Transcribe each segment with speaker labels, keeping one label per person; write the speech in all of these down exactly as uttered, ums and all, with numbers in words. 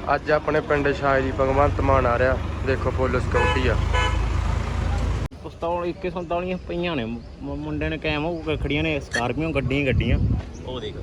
Speaker 1: ਅੱਜ ਆਪਣੇ ਪਿੰਡ ਸ਼ਾਇਰੀ ਭਗਵੰਤ ਮਾਨ ਆ ਰਿਹਾ। ਦੇਖੋ ਫੁੱਲ ਸਿਕਿਉਰਟੀ ਆ।
Speaker 2: ਪਿਸਤੌਲ ਇੱਕੇ ਸੰਤਾਲੀਆਂ ਪਈਆਂ ਨੇ ਮੁੰਡੇ ਨੇ ਕਾਇਮ ਹੋ ਕੇ ਖੜੀਆਂ ਨੇ ਸਕਾਰਪੀਓ ਗੱਡੀਆਂ ਗੱਡੀਆਂ ਉਹ ਦੇਖ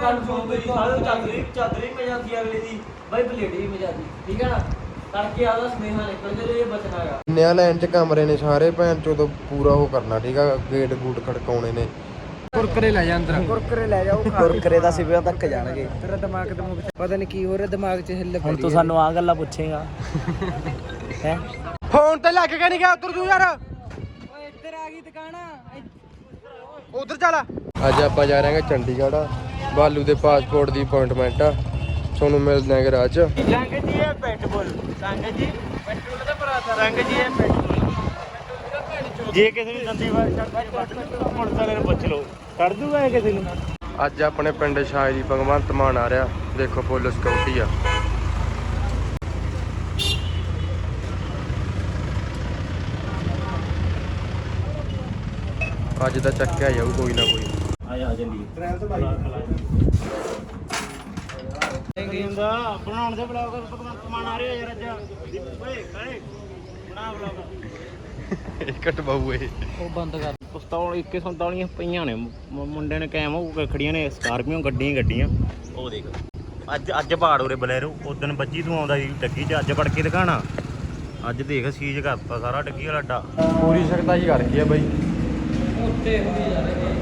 Speaker 3: ਚਾਦਰੀ ਮਜਾਦੀ ਅਗਲੇ ਦੀ ਬਾਈ ਬਲੇਡੀ ਵੀ ਮਜਾਦੀ ਠੀਕ ਹੈ ਨਾ ਕਰਕੇ ਆਦਾ ਸਮੇਹਾ ਨਿਕਲ ਜੇ ਇਹ ਬਚਣਾ ਹੈਗਾ।
Speaker 1: ਨਿਆ ਲਾਈਨ ਚ ਕਮਰੇ ਨੇ ਸਾਰੇ ਭੈਣ ਚੋਂ ਤੋਂ ਪੂਰਾ ਉਹ ਕਰਨਾ ਠੀਕ ਆ। ਗੇਟ ਗੂਟ ਖੜਕਾਉਣੇ ਨੇ। ਕੁਰਕਰੇ ਲੈ ਜਾ ਅੰਦਰ
Speaker 3: ਕੁਰਕਰੇ ਲੈ ਜਾਓ ਕੁਰਕਰੇ ਦਾ ਸਿਵਿਆਂ ਤੱਕ ਜਾਣਗੇ। ਤੇਰਾ ਦਿਮਾਗ ਦਿਮਾਗ ਪਤਾ ਨਹੀਂ ਕੀ ਹੋ ਰਿਹਾ ਦਿਮਾਗ 'ਚ ਹਿੱਲ ਹੁਣ ਤੂੰ ਸਾਨੂੰ ਆ ਗੱਲਾਂ ਪੁੱਛੇਗਾ ਹੈ
Speaker 1: ਫੋਨ ਤੇ ਲੱਗ ਕੇ ਨਹੀਂ ਗਿਆ ਉਧਰ ਤੂੰ ਯਾਰ।
Speaker 3: ਓਏ ਇੱਧਰ ਆ ਗਈ ਦੁਕਾਨ
Speaker 1: ਉਧਰ ਚੱਲ। ਅੱਜ ਆਪਾਂ ਜਾ ਰਹੇ ਹਾਂ ਚੰਡੀਗੜ੍ਹ। ਬਾਲੂ ਦੇ ਪਾਸਪੋਰਟ ਦੀ ਅਪਾਇੰਟਮੈਂਟ ਆ। ਤੁਹਾਨੂੰ ਮਿਲਦੇ ਹਾਂ ਰਾਹ ਚ।
Speaker 3: ਰੰਗ ਜੀ ਇਹ ਪੈਟਬੁਲ ਰੰਗ ਜੀ ਪੈਟਰੋਲ ਦਾ ਭਰਾ ਦਾ ਰੰਗ ਜੀ ਇਹ ਪੈਟਬੁਲ
Speaker 2: ਜੇ ਕਿਸੇ ਨੂੰ ਦੰਦੀ ਵਾਰ ਪੁਲਿਸ ਵਾਲੇ ਨੂੰ ਪੁੱਛ ਲਓ ਕੱਢ ਦੂਗਾ ਕਿਸੇ ਨੂੰ।
Speaker 1: ਅੱਜ ਆਪਣੇ ਪਿੰਡ ਸ਼ਾਇਰੀ ਭਗਵੰਤ ਮਾਨ ਆ ਰਿਹਾ। ਦੇਖੋ ਫੁੱਲ ਸਿਕਿਉਰਟੀ ਆ। ਅੱਜ ਦਾ ਚੱਕਿਆ ਜਾਊ ਕੋਈ ਨਾ ਕੋਈ।
Speaker 2: ਆ ਜਾ ਜਲਦੀ ਟ੍ਰੈਲ ਤੋਂ ਬਾਈ ਹੁੰਦਾ ਬਣਾਉਣ ਦੇ ਬਲੌਗ ਭਗਵੰਤ ਮਾਨ ਆ ਰਿਹਾ ਯਾਰ ਅੱਜ। ਓਏ ਕਾਲੇ ਬਣਾ ਬਲੌਗ
Speaker 1: ਇਕੱਟ ਬਾਊ ਇਹ
Speaker 3: ਉਹ ਬੰਦ ਕਰ।
Speaker 2: ਪਿਸਤੌਲ ਇੱਕੇ ਸੰਤਾਲੀਆਂ ਪਈਆਂ ਨੇ ਮੁੰਡੇ ਨੇ ਕਾਇਮ ਹੋ ਕੇ ਖੜੀਆਂ ਨੇ ਸਕਾਰਪੀਓ ਗੱਡੀਆਂ ਗੱਡੀਆਂ ਉਹ ਦੇਖ ਅੱਜ ਅੱਜ ਬਾੜ ਉਰੇ ਬਲੈਰੋ ਉਦਣ ਬੱਜੀ ਤੂੰ ਆਉਂਦਾ ਸੀ ਡੱਗੀ 'ਚ ਅੱਜ ਵੜ ਕੇ ਦਿਖਾਣਾ। ਅੱਜ ਦੇਖ ਸੀਜ ਕਰਤਾ ਸਾਰਾ ਡੱਗੀ ਵਾਲਾ ਅੱਡਾ
Speaker 1: ਪੂਰੀ ਸਕਦਾ ਹੀ ਕਰ ਗਈ ਆ ਬਾਈ।
Speaker 3: ਉੱਤੇ ਹੁੰਦੀ ਜਾ ਰਹੀ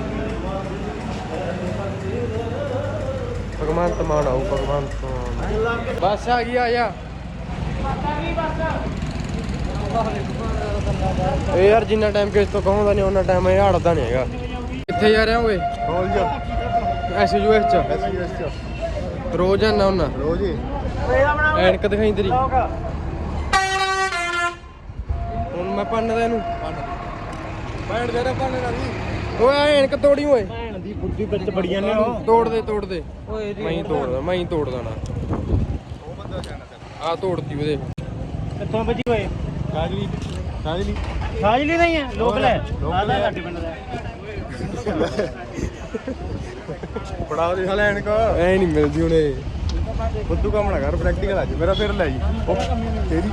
Speaker 1: ਭਗਵੰਤ ਮਾਨ ਆਊ ਭਗਵੰਤ ਮਾਨ। ਬੱਸ ਆ ਗਈ ਆ ਜਾ। ਇਹ ਯਾਰ ਜਿੰਨਾ ਟਾਈਮ ਕਿਸ ਤੋਂ ਕਹੋਂਦਾ ਨਹੀਂ ਉਹਨਾਂ ਟਾਈਮ ਇਹ ਹੜਦਾ ਨਹੀਂ ਹੈਗਾ। ਕਿੱਥੇ ਜਾ ਰਿਹਾ ਓਏ? ਕਾਲਜ ਐਸ ਯੂ ਐਸ ਚ ਐਸ ਯੂ ਐਸ ਚ ਰੋਜ਼ ਆਣਾ ਹੁੰਦਾ ਰੋਜ਼ ਹੀ। ਐਨਕ ਦਿਖਾਈ ਤੇਰੀ ਹੁਣ ਮੈਂ ਪੰਨਦਾ ਇਹਨੂੰ ਬੈਠ ਜਾ ਪੰਨ ਨਾਲ ਓਏ ਐਨਕ ਤੋੜੀ ਓਏ।
Speaker 2: ਭੈਣ ਦੀ ਬੁੱਢੀ ਵਿੱਚ ਬੜੀਆਂ ਨੇ ਉਹ
Speaker 1: ਤੋੜ ਦੇ ਤੋੜ ਦੇ
Speaker 3: ਓਏ
Speaker 1: ਮੈਂ ਹੀ ਤੋੜਦਾ ਮੈਂ ਹੀ ਤੋੜ ਦੇਣਾ। ਉਹ ਬੰਦਾ ਜਾਣਾ ਆ ਤੋੜਤੀ ਉਹਦੇ।
Speaker 2: ਕਿੱਥੋਂ ਵੱਜੀ ਓਏ?
Speaker 1: ਕਾਜਲੀ ਕਾਜਲੀ
Speaker 2: ਸਾਜਲੀ ਨਹੀਂ ਹੈ ਲੋਕਲ ਹੈ ਆਦਾ ਸਾਡੇ ਪਿੰਡ ਦਾ।
Speaker 1: ਪੜਾ ਦੇ ਹਲੇ ਐਨਕ ਐ ਨਹੀਂ ਮਿਲਦੀ ਹੁਣੇ। ਬੁੱਧੂ ਕੰਮ ਨਾ ਕਰ ਪ੍ਰੈਕਟੀਕਲ ਅੱਜ ਮੇਰਾ ਫਿਰ ਲੈ ਜੀ ਤੇਰੀ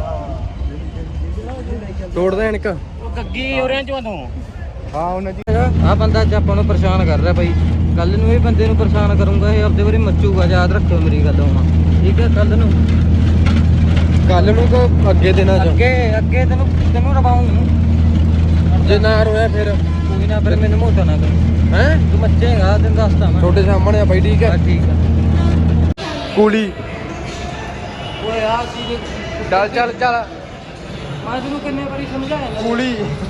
Speaker 1: ਤੋੜਦਾ ਐਨਕ।
Speaker 2: ਉਹ ਗੱਗੀ ਉਰਿਆਂ ਚੋਂ ਤੂੰ
Speaker 1: ਹਾਂ ਉਹਨਾਂ ਜੀ
Speaker 3: ਆ ਬੰਦਾ ਅੱਜ ਆਪਾਂ ਨੂੰ ਪਰੇਸ਼ਾਨ ਕਰ ਰਿਹਾ ਬਾਈ। ਕੱਲ ਨੂੰ ਇਹ ਬੰਦੇ ਨੂੰ ਪਰੇਸ਼ਾਨ ਕਰੂੰਗਾ ਇਹ ਆਪਦੇ ਵਾਰੀ ਮੱਚੂਗਾ। ਯਾਦ ਰੱਖਿਓ ਮੇਰੀ ਗੱਲ ਹੁਣ ਠੀਕ ਹੈ। ਕੱਲ ਨੂੰ
Speaker 1: ਕੱਲ ਨੂੰ ਤਾਂ ਅੱਗੇ ਦਿਨਾਂ ਚ
Speaker 3: ਅੱਗੇ ਅੱਗੇ ਤੈਨੂੰ ਤੈਨੂੰ ਰਵਾਉਂ
Speaker 1: ਜੇ ਨਾ ਰੋਇਆ ਫਿਰ
Speaker 3: ਕੋਈ ਨਾ ਫਿਰ ਮੈਨੂੰ ਮੋਟਾ ਨਾ ਕਰ
Speaker 1: ਹੈ।
Speaker 3: ਤੂੰ ਮੱਚੇਗਾ ਤੈਨੂੰ ਦੱਸਦਾ ਮੈਂ।
Speaker 1: ਤੁਹਾਡੇ ਸਾਹਮਣੇ ਆ ਬਾਈ ਠੀਕ ਹੈ।
Speaker 3: ਠੀਕ ਆ
Speaker 1: ਕੂਲੀ
Speaker 3: ਓਏ ਆ ਸੀ
Speaker 1: ਚੱਲ ਚੱਲ ਚੱਲ
Speaker 3: ਮੈਂ ਤੈਨੂੰ ਕਿੰਨੇ ਵਾਰੀ ਸਮਝਾਇਆ ਨਾ
Speaker 1: ਕੂਲੀ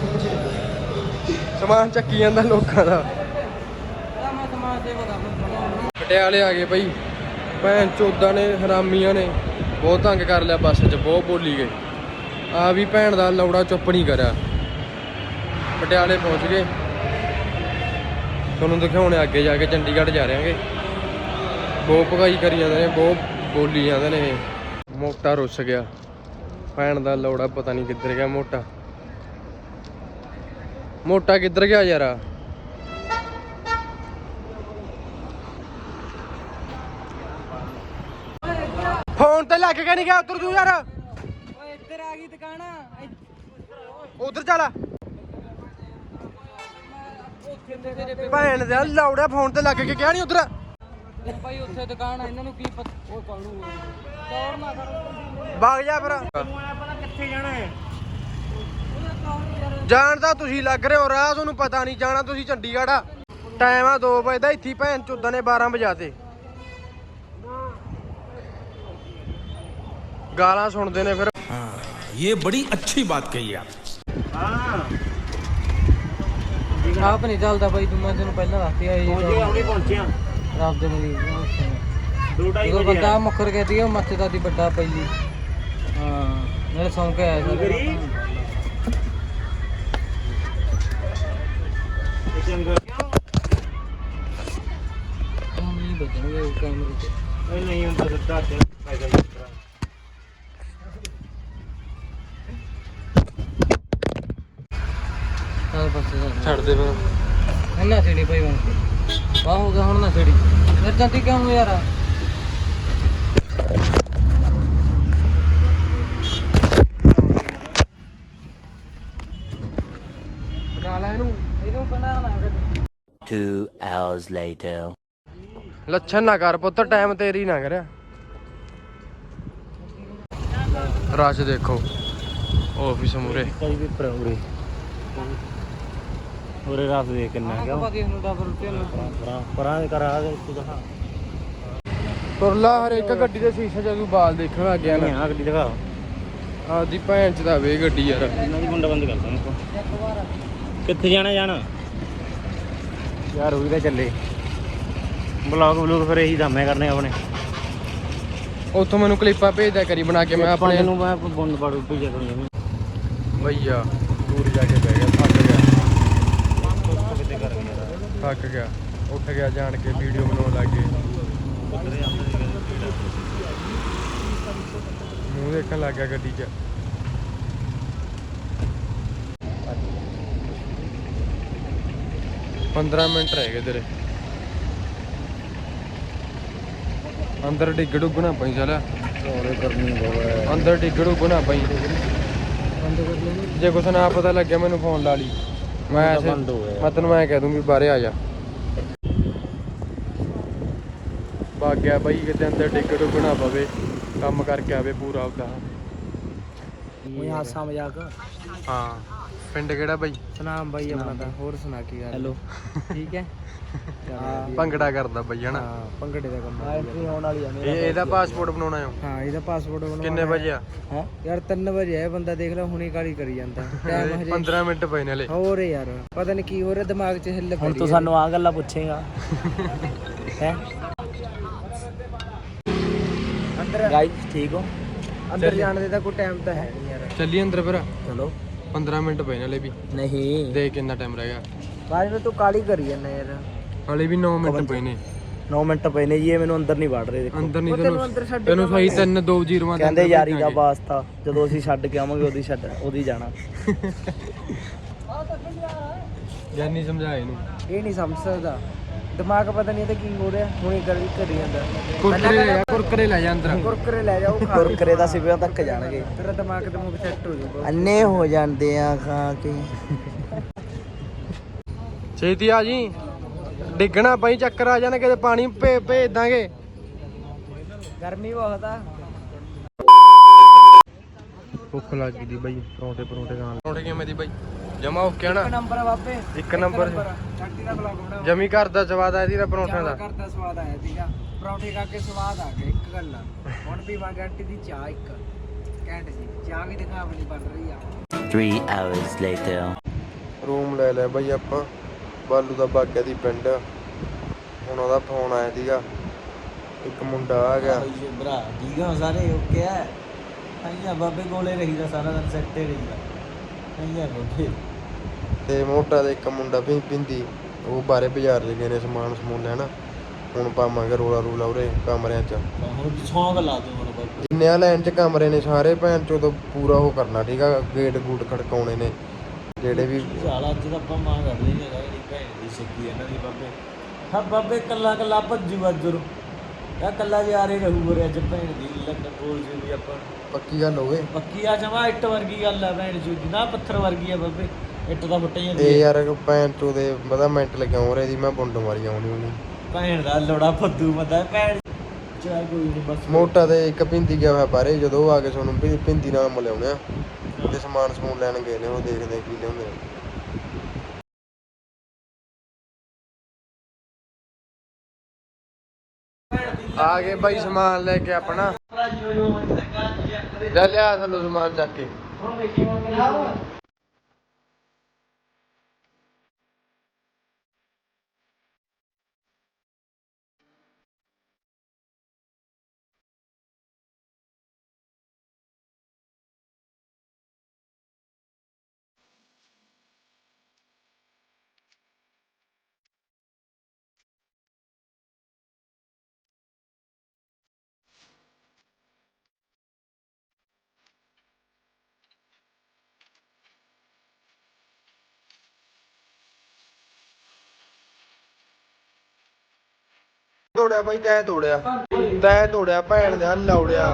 Speaker 1: ਸਮਾਨ ਚੱਕੀ ਜਾਂਦਾ ਲੋਕਾਂ ਦਾ।
Speaker 3: ਮੈਂ ਸਮਾਜ ਸੇਵਾ ਕਰਦਾ।
Speaker 1: ਪਟਿਆਲੇ ਆ ਗਏ ਬਈ। ਭੈਣ ਚੋਦਾਂ ਨੇ ਹਰਾਮੀਆਂ ਨੇ ਬਹੁਤ ਤੰਗ ਕਰ ਲਿਆ। ਬੱਸ 'ਚ ਬਹੁਤ ਬੋਲੀ ਗਏ। ਆ ਵੀ ਭੈਣ ਦਾ ਲੌੜਾ ਚੁੱਪ ਨਹੀਂ ਕਰਿਆ। ਪਟਿਆਲੇ ਪਹੁੰਚ ਗਏ। ਤੁਹਾਨੂੰ ਦਿਖਾਉਣੇ ਅੱਗੇ ਜਾ ਕੇ ਚੰਡੀਗੜ੍ਹ ਜਾ ਰਹੇ ਹਾਂਗੇ। ਬਹੁਤ ਭਗਾਈ ਕਰੀ ਜਾਂਦੇ ਨੇ ਬਹੁਤ ਬੋਲੀ ਜਾਂਦੇ ਨੇ ਇਹ। ਮੋਟਾ ਰੁੱਸ ਗਿਆ ਭੈਣ ਦਾ ਲੌੜਾ ਪਤਾ ਨਹੀਂ ਕਿੱਧਰ ਗਿਆ। ਮੋਟਾ ਮੋਟਾ ਕਿੱਧਰ ਗਿਆ ਯਾਰ? ਫੋਨ ਤੇ ਲੱਗ ਕੇ ਨਹੀਂ ਗਿਆ ਉਧਰ ਤੂੰ ਯਾਰ।
Speaker 3: ਓਏ ਇੱਧਰ ਆ ਗਈ ਦੁਕਾਨ
Speaker 1: ਉਧਰ ਚੱਲ। ਭੈਣ ਦਾ ਲੌੜਾ ਫੋਨ ਤੇ ਲੱਗ ਕੇ ਗਿਆ ਨਹੀਂ ਉਧਰ।
Speaker 3: ਭਾਈ ਉੱਥੇ ਦੁਕਾਨ ਆ ਇਹਨਾਂ ਨੂੰ ਕੀ ਪਤਾ। ਓਏ ਕਾਲੂ ਦੌੜ ਨਾ ਕਰ
Speaker 1: ਭਾਗ ਜਾ ਫਿਰ।
Speaker 2: ਪਤਾ ਕਿੱਥੇ ਜਾਣਾ ਹੈ?
Speaker 1: ਜਾਣ ਤਾਂ ਤੁਸੀਂ ਲੱਗ ਰਹੇ ਹੋ ਰਾਹ ਤੁਹਾਨੂੰ ਪਤਾ ਨਹੀਂ। ਜਾਣਾ ਤੁਸੀਂ ਚੰਡੀਗੜ੍ਹ ਆ। ਟਾਈਮ ਆ ਦੋ ਵਜੇ ਦਾ। ਇੱਥੇ ਭੈਣ ਚੋਦਾਂ ਨੇ ਬਾਰਾਂ ਵਜਾਤੇ। ਗਾਲਾਂ ਸੁਣਦੇ ਨੇ ਫਿਰ।
Speaker 4: ये बड़ी अच्छी बात कही आप।
Speaker 2: ਹਾਂ
Speaker 3: ਆਪ ਨਹੀਂ ਚੱਲਦਾ ਬਾਈ ਤੂੰ ਮੈਂ ਤੈਨੂੰ ਪਹਿਲਾਂ ਦੱਸਤੀ ਆ ਇਹ
Speaker 2: ਪਹੁੰਚੇ ਹੁਣੇ ਪਹੁੰਚਿਆ
Speaker 3: ਰੱਬ ਦੇ ਮਰੀਜ਼
Speaker 2: ਦੋ ਢਾਈ
Speaker 3: ਜਦੋਂ
Speaker 2: ਵਜੇ
Speaker 3: ਬੰਦਾ ਮੁੱਕਰ ਗਈ ਉਹ ਮੱਥੇ ਦਾ ਦੀ ਵੱਡਾ ਪਈ ਹਾਂ ਨਾਲੇ ਸੌਂ ਕੇ ਆਇਆ ਸੀ
Speaker 2: ਕਰੀ ਚੰਗਾ
Speaker 3: ਹੁਣ ਨਹੀਂ ਬਚਣਗੇ ਕੈਮਰੇ 'ਚ।
Speaker 2: ਇਹ ਨਹੀਂ ਹੁੰਦਾ ਸਿੱਧਾ ਚੱਲ ਪੈਦਲ ਯਾਤਰਾ।
Speaker 3: ਚੱਲ ਪਾਸੇ
Speaker 1: ਛੱਡ ਦੇ ਫਿਰ।
Speaker 3: ਨਾ ਛੇੜੀ ਭਾਈ ਹੁਣ ਵਾਹ ਹੋ ਗਿਆ ਹੁਣ ਨਾ ਛੇੜੀ ਫਿਰ ਜਾਂਦੀ ਕਿਉਂ ਯਾਰ
Speaker 5: Two hours later.
Speaker 1: ਲੱਛਣ ਨਾ ਕਰ ਪੁੱਤ, ਟਾਈਮ ਤੇਰੀ ਨਾ ਕਰਿਆ। ਰਸ਼ ਦੇਖੋ ਆਫਿਸ ਮੂਰੇ।
Speaker 2: ਕੋਈ ਵੀ ਪ੍ਰੋਗਰੇ ਉਰੇ ਰਾਤ ਦੇ ਕਿੰਨਾ ਗਿਆ ਪਰਾਂ ਪਰਾਂ ਦੇ ਕਰ ਆ ਗਏ ਤੂੰ ਦਿਖਾ
Speaker 1: ਤੁਰਲਾ ਹਰ ਇੱਕ ਗੱਡੀ ਦੇ ਸ਼ੀਸ਼ੇ ਚ ਤੂੰ ਬਾਲ ਦੇਖਣ ਲੱਗ ਗਿਆ ਨਾ।
Speaker 2: ਆ ਗੱਡੀ ਦਿਖਾ
Speaker 1: ਆਦੀ ਭੈਣ ਚ ਦਾ ਵੇ ਗੱਡੀ ਯਾਰ।
Speaker 2: ਇਹਨਾਂ ਦੀ ਗੁੰਡਾ ਬੰਦ ਕਰਦਾ ਮੈਂ ਕਿੱਥੇ ਜਾਣਾ ਜਾਣਾ ਯਾਰ ਉਹੀ ਤਾਂ ਚੱਲੇ ਬਲੌਗ ਬਲੌਗ ਫਿਰ ਇਹੀ ਦਮੇ ਕਰਨੇ ਆਪਣੇ।
Speaker 1: ਉੱਥੋਂ ਮੈਨੂੰ ਕਲਿੱਪਾਂ ਭੇਜਦਾ ਕਰੀ ਬਣਾ ਕੇ ਮੈਂ ਆਪਣੇ
Speaker 2: ਨੂੰ ਮੈਂ ਬੰਦ ਪਾੜੂ ਭੇਜਿਆ ਕਰੂੰਗਾ
Speaker 1: ਭਈਆ ਦੂਰ ਜਾ ਕੇ ਬਹਿ ਗਿਆ, ਥੱਕ ਗਿਆ
Speaker 2: ਕਿਤੇ ਕਰ ਗਿਆ
Speaker 1: ਥੱਕ ਗਿਆ ਉੱਠ ਗਿਆ ਜਾਣ ਕੇ ਵੀਡੀਓ ਬਣਾਉਣ ਲੱਗ ਗਏ, ਮੂੰਹ ਦੇਖਣ ਲੱਗ ਗਿਆ ਗੱਡੀ 'ਚ। ਪੰਦਰਾਂ ਮਿੰਟ ਰਹਿ ਗਏ ਤੇਰੇ। ਅੰਦਰ ਡਿੱਗ ਡੁੱਗ ਨਾ ਪਈ ਚੱਲ ਅੰਦਰ ਡਿੱਗ ਡੁੱਗ ਨਾ ਪਈ। ਜੇ ਕੁਛ ਨਾ ਪਤਾ ਲੱਗਿਆ ਮੈਨੂੰ ਫੋਨ ਲਾ ਲਈ, ਮੈਂ ਐਸੇ ਮੈਂ ਤੈਨੂੰ ਮੈਂ ਕਹਿ ਦੂੰਗੀ ਬਾਹਰੇ ਆ ਜਾ। ਭੱਗ ਗਿਆ ਬਾਈ ਕਿਤੇ ਅੰਦਰ ਡਿੱਗ ਡੁੱਗ ਨਾ ਪਵੇ, ਕੰਮ ਕਰਕੇ ਆਵੇ ਪੂਰਾ ਆਪਦਾ।
Speaker 3: ਉਹ ਹਾਸਾ ਮਜ਼ਾਕ।
Speaker 1: ਹਾਂ ਪਿੰਡ ਕਿਹੜਾ ਬਾਈ?
Speaker 3: ਸੁਨਾਮ ਬਾਈ ਆਪਣਾ ਤਾਂ। ਹੋਰ ਸੁਣਾ ਕੀ ਗੱਲ? ਹੈਲੋ ਠੀਕ ਹੈ।
Speaker 1: ਭੰਗੜਾ ਕਰਦਾ ਬਾਈ ਹਨਾ?
Speaker 3: ਹਾਂ ਭੰਗੜੇ ਦਾ ਕੰਮ ਐਂਟਰੀ ਹੋਣ ਵਾਲੀ ਆ
Speaker 1: ਇਹ ਇਹਦਾ ਪਾਸਪੋਰਟ ਬਣਾਉਣਾ ਆ?
Speaker 3: ਹਾਂ ਇਹਦਾ ਪਾਸਪੋਰਟ ਬਣਾਉਣਾ।
Speaker 1: ਕਿੰਨੇ ਵਜੇ ਆ?
Speaker 3: ਹੈ ਯਾਰ ਤਿੰਨ ਵਜੇ ਆ, ਬੰਦਾ ਦੇਖ ਲੈ ਹੁਣੇ ਕਾਲੀ ਕਰੀ ਜਾਂਦਾ। ਟਾਈਮ ਹਜੇ
Speaker 1: ਪੰਦਰਾਂ ਮਿੰਟ ਪਏ ਨੇ ਹਲੇ।
Speaker 3: ਹੋਰ ਯਾਰ ਪਤਾ ਨਹੀਂ ਕੀ ਹੋ ਰਿਹਾ ਦਿਮਾਗ 'ਚ ਹਿੱਲ।
Speaker 2: ਹੁਣ ਤੂੰ ਸਾਨੂੰ ਆ ਗੱਲਾਂ ਪੁੱਛੇਗਾ
Speaker 3: ਹੈ ਅੰਦਰ
Speaker 2: ਗਾਈਸ ਠੀਕ ਹੋ?
Speaker 3: ਅੰਦਰ ਜਾਣ ਦੇ ਤਾਂ ਕੋਈ ਟਾਈਮ ਤਾਂ ਹੈ ਨਹੀਂ ਯਾਰ।
Speaker 1: ਚੱਲੀ ਅੰਦਰ ਫਿਰ।
Speaker 3: ਚਲੋ
Speaker 1: ਪੰਦਰਾਂ ਮਿੰਟ ਪਏ ਨੇ ਹਲੇ ਵੀ।
Speaker 3: ਨਹੀਂ
Speaker 1: ਦੇਖ ਕਿੰਨਾ ਟਾਈਮ ਰਹਿ ਗਿਆ।
Speaker 3: ਬਾਅਦ ਵਿੱਚ ਤੂੰ ਕਾਲੀ ਕਰੀ ਜਾਂਦਾ ਯਾਰ।
Speaker 1: ਹਲੇ ਵੀ ਨੌ ਮਿੰਟ ਪਏ ਨੇ।
Speaker 3: ਨੌ ਮਿੰਟ ਪਏ ਨੇ ਜੀ, ਇਹ ਮੈਨੂੰ ਅੰਦਰ ਨਹੀਂ ਵੜ ਰਹੇ। ਦੇਖੋ
Speaker 1: ਅੰਦਰ ਨਹੀਂ ਤੈਨੂੰ ਤੈਨੂੰ ਸਹੀ ਤਿੰਨ ਦੋ ਜ਼ੀਰੋਆਂ
Speaker 3: ਕਹਿੰਦੇ ਯਾਰੀ ਦਾ ਵਾਸਤਾ, ਜਦੋਂ ਅਸੀਂ ਛੱਡ ਕੇ ਆਵਾਂਗੇ ਉਹਦੀ ਛੱਡ ਉਹਦੀ ਜਾਣਾ।
Speaker 1: ਜਾਨੀ ਸਮਝਾ ਇਹਨੂੰ।
Speaker 3: ਇਹ ਨਹੀਂ ਸਮਝ ਸਕਦਾ, ਦਿਮਾਗ ਪਤਾ ਨਹੀਂ ਇਹਦਾ ਕੀ ਹੋ ਰਿਹਾ। ਹੁਣੇ ਕਰੀ ਕਰੀ ਜਾਂਦਾ।
Speaker 1: ਕੁਰਕਰੇ ਲੈ ਜਾ, ਕੁਰਕਰੇ ਲੈ ਜਾ ਅੰਦਰ।
Speaker 3: ਕੁਰਕਰੇ ਲੈ ਜਾਓ, ਕੁਰਕਰੇ ਦਾ ਸਿਵਿਆਂ ਤੱਕ ਜਾਣਗੇ। ਤੇਰਾ ਦਿਮਾਗ ਤੇ ਮੂੰਹ ਸੈੱਟ ਹੋ ਜਾਊਗਾ। ਅੰਨੇ ਹੋ ਜਾਂਦੇ ਆ ਖਾ ਕੇ।
Speaker 1: ਛੇਤੀ ਆ ਜੀ, ਡਿੱਗਣਾ ਪਈ ਚੱਕਰ ਆ ਜਾਣਾ, ਕਿਤੇ ਪਾਣੀ ਭੇ ਭੇਜ ਦਾਂਗੇ।
Speaker 3: ਗਰਮੀ ਬਹੁਤ ਆ।
Speaker 1: ਭੁੱਖ ਲੱਗ ਗਈ ਦੀ ਬਾਈ, ਪਰੌਂਠੇ ਪਰੌਂਠੇ ਖਾਣ। ਪਰੌਂਠੇ ਕਿਵੇਂ ਦੀ ਬਾਈ? ਜਮਾ ਓਕੇ ਨਾ?
Speaker 3: ਇੱਕ ਨੰਬਰ ਆ ਬਾਪੇ,
Speaker 1: ਇੱਕ ਨੰਬਰ।
Speaker 3: ਛੱਡੀ ਦਾ ਬਲੌਗ ਬਣਾ।
Speaker 1: ਜਮੀ ਘਰ ਦਾ ਸਵਾਦ ਆਇਆ ਦੀ ਪਰੌਂਠਿਆਂ ਦਾ।
Speaker 3: ਘਰ ਦਾ ਸਵਾਦ ਆਇਆ ਸੀਗਾ, ਪਰੌਂਠੇ ਖਾ ਕੇ ਸਵਾਦ ਆ ਗਿਆ। ਇੱਕ ਗੱਲ ਆ, ਹੁਣ ਪੀਵਾਂਗੇ ਆਂਟੀ ਦੀ ਚਾਹ। ਇੱਕ ਘੈਂਟ ਜੀ ਚਾਹ ਵੀ ਦਿਖਾ ਆਪਣੀ ਬਣ ਰਹੀ ਆ।
Speaker 5: Three hours later.
Speaker 1: ਰੂਮ ਲੈ ਲਿਆ ਬਾਈ ਆਪਾਂ, ਬਾਲੂ ਦਾ ਬਾਗਿਆ ਦੀ ਪਿੰਡ। ਹੁਣ ਉਹਦਾ ਫੋਨ ਆਇਆ ਸੀਗਾ, ਇੱਕ ਮੁੰਡਾ ਆ ਗਿਆ।
Speaker 3: ਭਰਾ ਠੀਕ ਆ ਸਾਰੇ ਓਕੇ ਆ। ਆਈਆ ਬਾਬੇ ਕੋਲੇ ਰਹੀਦਾ ਸਾਰਾ ਦਿਨ, ਸੈੱਟੇ ਰਹੀਦਾ। ਆਈਆ ਬਾਬੇ
Speaker 1: ਤੇ ਮੋਟਾ ਦੇ ਇੱਕ ਮੁੰਡਾ ਵੀ ਪਿੰਦੀ, ਉਹ ਬਾਰੇ ਬਾਜ਼ਾਰ ਚ ਗਏ ਨੇ ਸਮਾਨ ਸਮੂਨ ਲੈਣਾ। ਹੁਣ ਪਾਵਾਂਗੇ ਰੋਲਾ ਰੂਲਾ ਉਰੇ ਕਮਰਿਆਂ ਚ।
Speaker 3: ਹੁਣ ਸੌਂਗ ਲਾ ਦੂੰ ਹੁਣ ਬਾਬੇ।
Speaker 1: ਜਿੰਨੇ ਆ ਲਾਈਨ ਚ ਕਮਰੇ ਨੇ ਸਾਰੇ ਭੈਣ ਚੋਂ ਤੋਂ ਪੂਰਾ ਉਹ ਕਰਨਾ ਠੀਕ ਆ। ਗੇਟ ਗੂਟ ਖੜਕਾਉਣੇ ਨੇ ਜਿਹੜੇ ਵੀ।
Speaker 3: ਸਾਲਾ ਅੱਜ ਤਾਂ ਆਪਾਂ ਮਾਂ ਕਰ ਲਈ ਹੈਗਾ ਜਿਹੜੀ ਭੈਣ ਦੀ ਸਿੱਕੀ ਇਹਨਾਂ ਦੀ ਬਾਬੇ। ਹਾਂ ਬਾਬੇ ਕੱਲਾ ਕੱਲਾ ਭੱਜੂ ਅੱਜਰ ਆ, ਕੱਲਾ ਯਾਰੇ ਰਹੂ ਰੇ ਅੱਜ ਭੈਣ ਦੀ ਲੱਗ ਬੋਲ ਜੀ ਵੀ ਆਪਾਂ।
Speaker 1: ਪੱਕੀ ਗੱਲ ਹੋਵੇ
Speaker 3: ਪੱਕੀ ਆ ਜਮਾ ਇੱਟ ਵਰਗੀ ਗੱਲ ਆ ਭੈਣ ਜੀ ਦੀ, ਨਾ ਪੱਥਰ ਵਰਗੀ ਆ ਬਾਬੇ। ਇੱਟ ਦਾ ਫੁੱਟ ਜਾਂਦੀ
Speaker 1: ਇਹ ਯਾਰ ਭੈਣ ਚੋਂ ਦੇ ਪਤਾ ਮਿੰਟ ਲੱਗਿਆ ਰਹੇ ਦੀ। ਮੈਂ ਬੁੰਡ ਮਾਰੀ ਆਉਣੀ ਉਹਨੂੰ
Speaker 3: ਭੈਣ ਦਾ ਲੋੜਾ ਫੱਦੂ ਮਦਾ ਭੈਣ। ਚਾਹ ਕੋਈ ਨਹੀਂ ਬਸ।
Speaker 1: ਮੋਟਾ ਤੇ ਇੱਕ ਪਿੰਦੀ ਗਿਆ ਹੋਇਆ ਬਾਰੇ, ਜਦੋਂ ਉਹ ਆ ਕੇ ਤੁਹਾਨੂੰ ਪਿੰਦੀ ਨਾਲ ਮਿਲਾਉਣੇ ਆ ਤੇ ਸਮਾਨ ਸਮੂਨ ਲੈਣ ਗਏ ਨੇ। ਉਹ ਦੇਖਦੇ ਕੀ ਲਿਆਉਂਦੇ ਆ। ਆ ਗਏ ਬਾਈ ਸਮਾਨ ਲੈ ਕੇ ਆਪਣਾ। ਲੈ ਲਿਆ ਸਾਨੂੰ ਸਮਾਨ ਚੱਕ ਕੇ। ਤੋੜਿਆ ਬਾਈ, ਤੈ ਤੋੜਿਆ ਤੈ ਤੋੜਿਆ ਭੈਣ ਦੇ ਲੌੜਿਆ।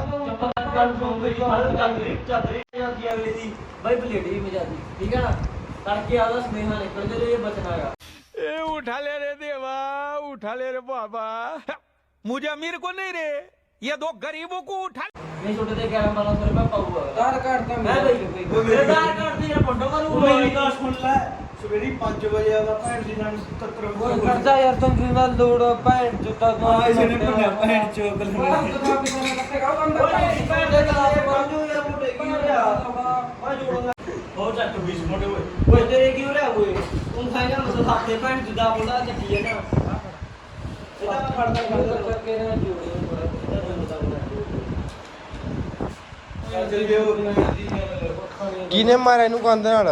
Speaker 3: ਬਾਈ ਬਲੇਡੀ ਵੀ ਮਜਾਦੀ ਠੀਕ ਹੈ ਨਾ। ਤੜਕੇ ਆਦਾ ਸੁਨੇਹਾ ਨਿਕਲ ਜੇ ਇਹ ਬਚਣਾ ਹੈਗਾ।
Speaker 1: ਇਹ
Speaker 4: उठा ले रे देवा, उठा ले रे बाबा। मुझे अमीर को नहीं रे, ये दो गरीबों को उठा।
Speaker 3: नहीं छोटे थे क्या बारह सौ रुपया पाऊंगा
Speaker 1: ਆਧਾਰ ਕਾਰਡ ਤਾਂ
Speaker 3: मैं भाई मेरे आधार कार्ड से यार फोटो करूँ
Speaker 6: ਮੇਰੀ ਗੱਲ ਸੁਣ ਲੈ ਸਵੇਰੇ ਪੰਜ ਵਜੇ ਆਦਾ ਭੈਣ ਦੀ ਨਾਲ ਸਤੱਤਰ
Speaker 1: ਓਏ ਖਰਚਾ ਯਾਰ ਤੂੰ ਜਿੰਨ ਨਾਲ ਲੋੜ ਭੈਣ ਜੁੱਤਾ ਤੋਂ
Speaker 6: ਆ ਇਸੇ ਨੇ ਭੰਨਿਆ ਭੈਣ ਚੋਕ ਲੈਣੇ
Speaker 3: हो चट बीस मोटे हुए ओए तेरे क्यों रे हुए तुम खाएगा मतलब हाथे पैंट जुदा बोला चट्टी है ना सीधा फड़ता फड़ता करके ना जोड़े
Speaker 1: ਕਿਨੇ ਮਾਰਿਆ ਇਹਨੂੰ ਕੰਧ ਨਾਲ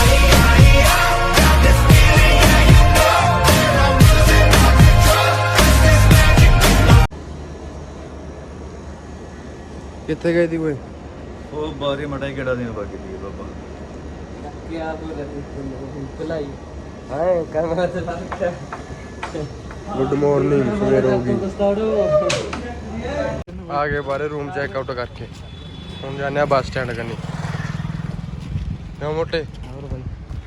Speaker 1: ਕਿੱਥੇ ਗਈ ਦੀ ਓਏ
Speaker 6: ਉਹ ਬਾਰੇ ਮਟਾ ਕਿਹੜਾ ਦਿਨ ਬਾਕੀ ਦੀ ਬਾਬਾ
Speaker 3: क्या तो चलाई हाय कैमरा चला रखा
Speaker 1: ਗੁੱਡ ਮਾਰਨਿੰਗ ਸਵੇਰ ਹੋ ਗਈ
Speaker 3: स्टार्ट
Speaker 1: ਆ ਗਏ ਬਾਰੇ ਰੂਮ ਚੈੱਕ ਆਊਟ ਕਰਕੇ ਹੁਣ ਜਾਂਦੇ ਆ ਬੱਸ ਸਟੈਂਡ ਕਰਨੀ ਕਿਉਂ ਮੋਟੇ
Speaker 3: और भाई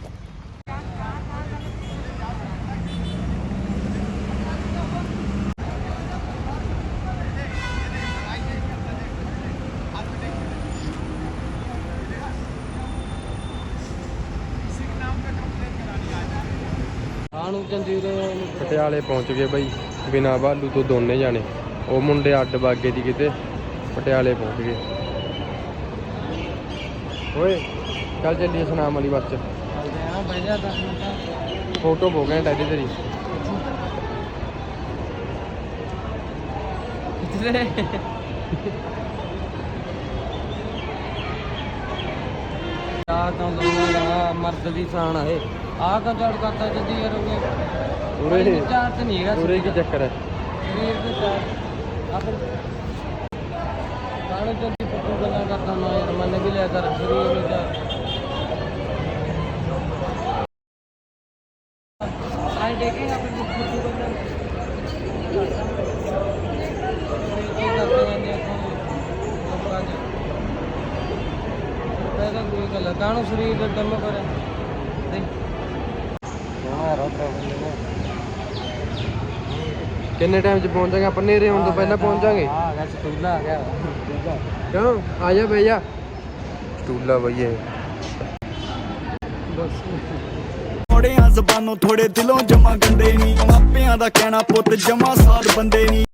Speaker 3: ਆਣੂ ਚੰਦੀਰੇ
Speaker 1: ਪਟਿਆਲੇ ਪਹੁੰਚ ਗਏ ਬਾਈ ਬਿਨਾ ਬਾਲੂ ਤੋਂ ਦੋਨੇ ਜਾਣੇ ਉਹ ਮੁੰਡੇ ਅੱਡ ਬਾਗੇ ਦੀ ਕਿਤੇ ਪਟਿਆਲੇ ਪਹੁੰਚ ਗਏ ਓਏ ਚੱਲ ਚੱਲੀਏ ਸੁਨਾਮ ਵਾਲੀ ਬੱਸ ਚ
Speaker 3: ਚੱਲਦੇ ਆ ਬਹਿ ਜਾ ਦਸ ਮਿੰਟ
Speaker 1: ਫੋਟੋ ਹੋ ਗਏ ਟੈਡੀ ਤੇਰੀ
Speaker 3: ਕਿੱਥੇ ਆ ਤਾਂ ਦੋਨਾਂ ਮਰਦ ਦੀ ਸਾਨ ਆਏ ਆ ਕਾ ਚੜ ਕਰਤਾ ਜਦੀ ਯਾਰ ਉਹ
Speaker 1: ਉਰੇ
Speaker 3: ਚਾਰ ਤੇ ਨਹੀਂ ਹੈਗਾ
Speaker 1: ਉਰੇ ਕੀ ਚੱਕਰ ਹੈ
Speaker 3: ਸਰੀਰ ਦੇ ਚਾਰ ਆਪਰ ਕਾਲੇ ਜਲਦੀ ਪੱਟੂ ਗੱਲਾਂ ਕਰਦਾ ਨਾ ਯਾਰ ਮੰਨ ਵੀ ਲਿਆ ਕਰ ਸਰੀਰ ਨੂੰ ਚਾਰ ਆਈ ਦੇਖੇ ਆਪੇ ਪੱਟੂ ਗੱਲਾਂ ਕੀ ਕਰਦੇ ਨੇ ਆਪਾਂ ਜੀ ਪਹਿਲਾਂ ਕੋਈ ਗੱਲ ਕਾਹਨੂੰ ਸਰੀਰ ਦਾ ਦਮ ਕਰੇ
Speaker 1: ਕਿੰਨੇ ਟਾਈਮ ਚ ਪਹੁੰਚ ਜਾਗੇ ਆਪਾਂ ਨੇਰੇ ਆਉਣ ਤੋਂ ਪਹਿਲਾਂ ਪਹੁੰਚ ਜਾਗੇ
Speaker 3: ਆ ਗਿਆ ਸਟੂਲਾ ਆ ਗਿਆ
Speaker 1: ਕਿਉਂ ਆ ਜਾ ਬਈ ਜਾ ਸਟੂਲਾ ਬਈਏ
Speaker 3: ਬਸ
Speaker 6: ਥੋੜਿਆਂ ਜ਼ਬਾਨੋਂ ਥੋੜੇ ਦਿਲੋਂ ਜਮਾ ਗੰਦੇ ਨਹੀਂ ਮਾਪਿਆਂ ਦਾ ਕਹਿਣਾ ਪੁੱਤ ਜਮਾ ਸਾਧ ਬੰਦੇ ਨਹੀਂ